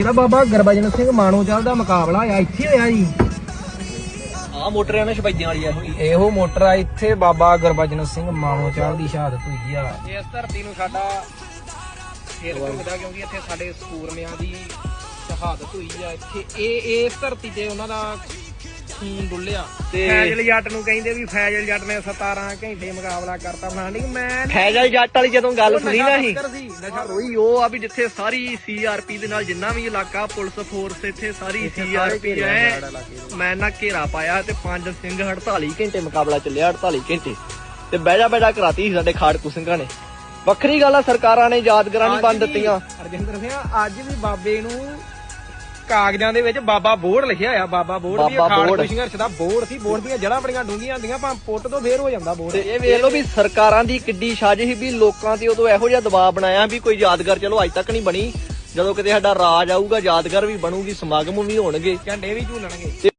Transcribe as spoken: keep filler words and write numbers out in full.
ਇਹਦਾ ਬਾਬਾ ਗੁਰਬਚਨ ਸਿੰਘ ਮਾਣੋਚਲ ਦਾ ਮੁਕਾਬਲਾ ਆ ਇੱਥੇ ਹੋਇਆ ਜੀ। ਆ ਮੋਟਰ ਆ ਨਾ ਸ਼ਬੈਦਿਆਂ ਵਾਲੀ ਇਹੋ ਹੀ ਇਹੋ ਮੋਟਰ ਆ, ਇੱਥੇ ਬਾਬਾ ਗੁਰਬਚਨ ਸਿੰਘ ਮਾਣੋਚਲ ਦੀ ਸ਼ਹਾਦਤ ਹੋਈ ਆ। ਇਸ ਧਰਤੀ ਨੂੰ ਸਾਡਾ ਫੇਰ ਘੁੰਮਦਾ ਕਿਉਂਕਿ ਇੱਥੇ ਸਾਡੇ ਸੂਰਮਿਆਂ ਦੀ ਸ਼ਹਾਦਤ ਹੋਈ ਆ। ਇੱਥੇ ਇਹ ਇਸ ਧਰਤੀ ਤੇ ਉਹਨਾਂ ਦਾ ਖੂਨ ਡੁੱਲਿਆ। ਤੇ ਫੈਜ਼ਲ ਜੱਟ ਨੂੰ ਕਹਿੰਦੇ ਵੀ ਫੈਜ਼ਲ ਜੱਟ ਨੇ ਸਤਾਰਾਂ ਘੰਟੇ ਮੁਕਾਬਲਾ ਕਰਤਾ ਫਲਾਣੀ। ਮੈਂ ਫੈਜ਼ਲ ਜੱਟ ਵਾਲੀ ਜਦੋਂ ਗੱਲ ਸੁਣੀ ਨਾ ਸੀ ਨਸ਼ਾ ਰੋਈ ਉਹ ਆ ਵੀ ਜਿੱਥੇ ਸਾਰੀ ਸੀਆਰਪੀ ਦੇ ਨਾਲ ਜਿੰਨਾ ਵੀ ਇਲਾਕਾ ਪੁਲਿਸ ਫੋਰਸ ਇੱਥੇ ਸਾਰੀ ਸੀਆਰਪੀ ਹੈ ਮੈਂ ਨਾ ਘੇਰਾ ਪਾਇਆ ਤੇ ਪੰਜ ਸਿੰਘ ਅੜਤਾਲੀ ਘੰਟੇ ਮੁਕਾਬਲਾ ਚੱਲਿਆ। ਅੜਤਾਲੀ ਘੰਟੇ ਤੇ ਬਹਿਜਾ ਬਹਿਜਾ ਕਰਾਤੀ ਸੀ ਸਾਡੇ ਖਾੜਕੂ ਸਿੰਘਾਂ ਨੇ। ਵੱਖਰੀ ਗੱਲ ਆ ਸਰਕਾਰਾਂ ਨੇ ਯਾਦਗਾਰਾਂ ਨਹੀਂ ਬੰਦ ਦਿੱਤੀਆਂ। ਰਜਿੰਦਰ ਸਿੰਘ ਅੱਜ ਵੀ ਬਾਬੇ ਨੂੰ ਕਾਗਜ਼ਾਂ ਦੇ ਵਿੱਚ ਬਾਬਾ ਬੋੜ ਲਿਖਿਆ ਹੋਇਆ। ਬਾਬਾ ਬੋੜ ਵੀ ਖਾੜਕੂ ਸੰਘਰਸ਼ ਦਾ ਬੋੜ ਸੀ। ਬੋੜ ਦੀਆਂ ਜੜ੍ਹਾਂ ਬੜੀਆਂ ਡੂੰਘੀਆਂ ਹੁੰਦੀਆਂ ਭਾਵੇਂ ਪੁੱਟ ਤੋਂ ਫੇਰ ਹੋ ਜਾਂਦਾ ਬੋੜ। ਇਹ ਵੇਖ ਲਓ ਵੀ ਸਰਕਾਰਾਂ ਦੀ ਕਿੱਡੀ ਸਾਜ਼ਿਸ਼ ਵੀ ਲੋਕਾਂ ਤੇ ਉਦੋਂ ਇਹੋ ਜਿਹਾ ਦਬਾਅ ਬਣਾਇਆ ਵੀ ਕੋਈ ਯਾਦਗਾਰ ਚਲੋ ਅੱਜ ਤੱਕ ਨਹੀਂ ਬਣੀ। ਜਦੋਂ ਕਿਤੇ ਸਾਡਾ ਰਾਜ ਆਊਗਾ ਯਾਦਗਾਰ ਵੀ ਬਣੂਗੀ, ਸਮਾਗਮ ਵੀ ਹੋਣਗੇ, ਝੰਡੇ ਵੀ ਝੂਲਣਗੇ।